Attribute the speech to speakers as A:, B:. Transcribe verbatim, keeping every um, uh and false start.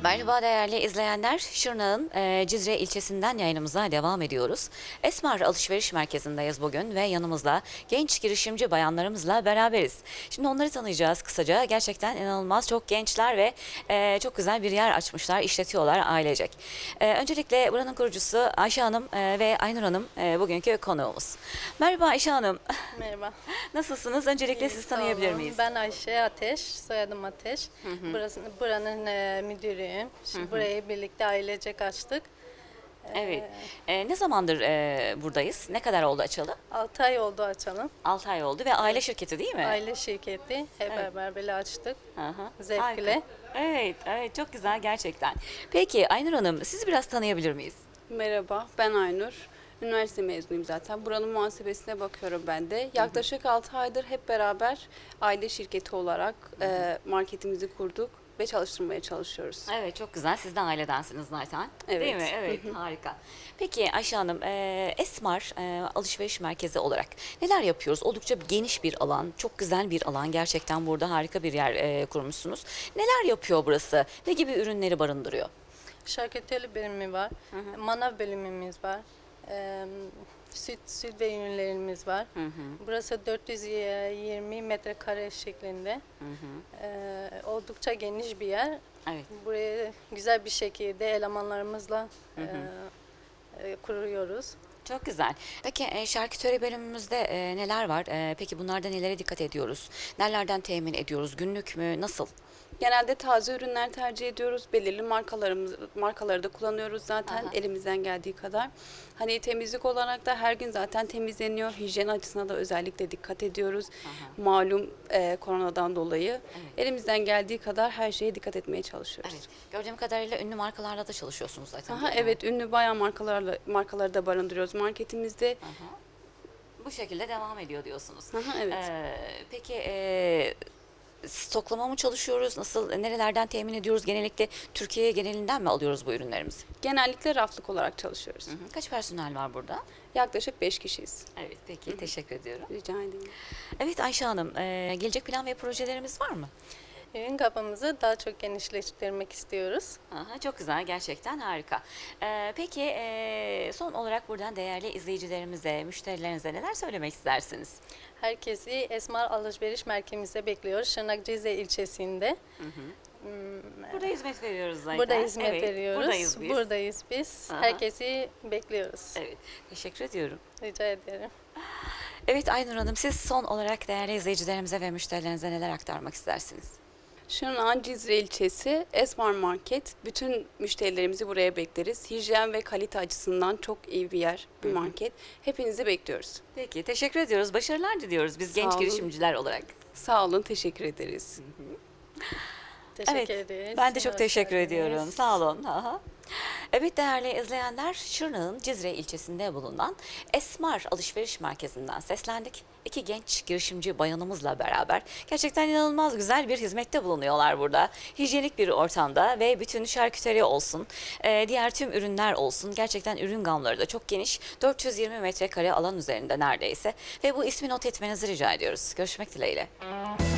A: Merhaba değerli izleyenler. Şırnak'ın e, Cizre ilçesinden yayınımıza devam ediyoruz. Esmar Alışveriş Merkezi'ndeyiz bugün ve yanımızda genç girişimci bayanlarımızla beraberiz. Şimdi onları tanıyacağız kısaca. Gerçekten inanılmaz çok gençler ve e, çok güzel bir yer açmışlar, işletiyorlar ailecek. E, öncelikle buranın kurucusu Ayşe Hanım e, ve Aynur Hanım e, bugünkü konuğumuz. Merhaba Ayşe Hanım.
B: Merhaba.
A: Nasılsınız? Öncelikle
B: İyi,
A: sizi
B: sağ
A: tanıyabilir
B: olun.
A: miyiz?
B: Ben Ayşe Ateş, soyadım Ateş. Burası, buranın e, müdürüyüm. Şimdi burayı birlikte ailecek açtık.
A: Evet. E, ne zamandır e, buradayız? Ne kadar oldu açalı?
B: altı ay oldu açalım.
A: altı ay oldu ve aile şirketi değil mi?
B: Aile şirketi. Hep
A: Evet.
B: beraber böyle açtık.
A: Hı hı.
B: Zevkle.
A: Harika. Evet, evet çok güzel gerçekten. Peki Aynur Hanım, sizi biraz tanıyabilir miyiz?
C: Merhaba, ben Aynur. Üniversite mezunuyum zaten. Buranın muhasebesine bakıyorum ben de. Yaklaşık altı aydır hep beraber aile şirketi olarak e, marketimizi kurduk ve çalıştırmaya çalışıyoruz.
A: Evet, çok güzel. Siz de ailedensiniz zaten. Değil
C: Evet.
A: mi? Evet, harika. Peki Ayşe Hanım, e, Esmar e, Alışveriş Merkezi olarak neler yapıyoruz? Oldukça geniş bir alan, çok güzel bir alan. Gerçekten burada harika bir yer e, kurmuşsunuz. Neler yapıyor burası? Ne gibi ürünleri barındırıyor?
B: Şarküteri bölümü var. Manav bölümümüz var. E, süt, süt ve ürünlerimiz var.
A: Hı hı.
B: Burası dört yüz yirmi metrekare şeklinde.
A: Hı hı.
B: E, oldukça geniş bir yer.
A: Evet.
B: Burayı güzel bir şekilde elemanlarımızla
A: Hı hı.
B: e, e, kuruyoruz.
A: Çok güzel. Peki e, şarküteri bölümümüzde e, neler var? E, peki bunlarda nelere dikkat ediyoruz? Nelerden temin ediyoruz? Günlük mü? Nasıl?
C: Genelde taze ürünler tercih ediyoruz. Belirli markalarımız markaları da kullanıyoruz zaten
A: Aha.
C: elimizden geldiği kadar. Hani temizlik olarak da her gün zaten temizleniyor. Hijyen açısına da özellikle dikkat ediyoruz.
A: Aha.
C: Malum e, koronadan dolayı
A: Evet.
C: elimizden geldiği kadar her şeye dikkat etmeye çalışıyoruz.
A: Evet. Gördüğüm kadarıyla ünlü markalarla da çalışıyorsunuz zaten.
C: Aha,
A: değil mi?
C: evet, ünlü bayağı markalarla markaları da barındırıyoruz marketimizde.
A: Aha. Bu şekilde devam ediyor diyorsunuz.
C: Aha, evet.
A: Ee, peki e, stoklama mı çalışıyoruz? Nasıl, nerelerden temin ediyoruz? Genellikle Türkiye genelinden mi alıyoruz bu ürünlerimizi?
C: Genellikle raflık olarak çalışıyoruz.
A: Hı hı. Kaç personel var burada?
C: Yaklaşık beş kişiyiz.
A: Evet, peki. Teşekkür ediyorum.
C: Rica ederim.
A: Evet Ayşe Hanım, e, gelecek plan ve projelerimiz var mı?
B: Ürün kapımızı daha çok genişleştirmek istiyoruz.
A: Aha, çok güzel, gerçekten harika. Ee, peki e, son olarak buradan değerli izleyicilerimize, müşterilerinize neler söylemek istersiniz?
B: Herkesi Esmar Alışveriş Merkezimizde bekliyoruz. Şırnak Cizre ilçesinde. Hmm,
A: Burada hizmet veriyoruz zaten.
B: Burada hizmet
A: Evet,
B: veriyoruz.
A: Buradayız biz.
B: Buradayız biz.
A: Aha.
B: Herkesi bekliyoruz.
A: Evet, teşekkür ediyorum.
B: Rica ederim.
A: Evet Aynur Hanım, siz son olarak değerli izleyicilerimize ve müşterilerinize neler aktarmak istersiniz?
C: Şırnak'ın Cizre ilçesi Esmar Market. Bütün müşterilerimizi buraya bekleriz. Hijyen ve kalite açısından çok iyi bir yer, bir market. Hepinizi bekliyoruz.
A: Peki, teşekkür ediyoruz. Başarılar diliyoruz biz
C: Sağ
A: genç
C: olun.
A: girişimciler olarak.
C: Sağ olun, teşekkür ederiz.
B: Teşekkür
A: Evet,
B: ederiz.
A: ben de çok
B: Hoş
A: teşekkür
B: geldiniz.
A: ediyorum. Sağ olun. Aha. Evet değerli izleyenler, Şırnak'ın Cizre ilçesinde bulunan Esmar Alışveriş Merkezi'nden seslendik. İki genç girişimci bayanımızla beraber gerçekten inanılmaz güzel bir hizmette bulunuyorlar burada. Hijyenik bir ortamda ve bütün şarküteri olsun, e, diğer tüm ürünler olsun. Gerçekten ürün gamları da çok geniş. dört yüz yirmi metrekare alan üzerinde neredeyse. Ve bu ismi not etmenizi rica ediyoruz. Görüşmek dileğiyle.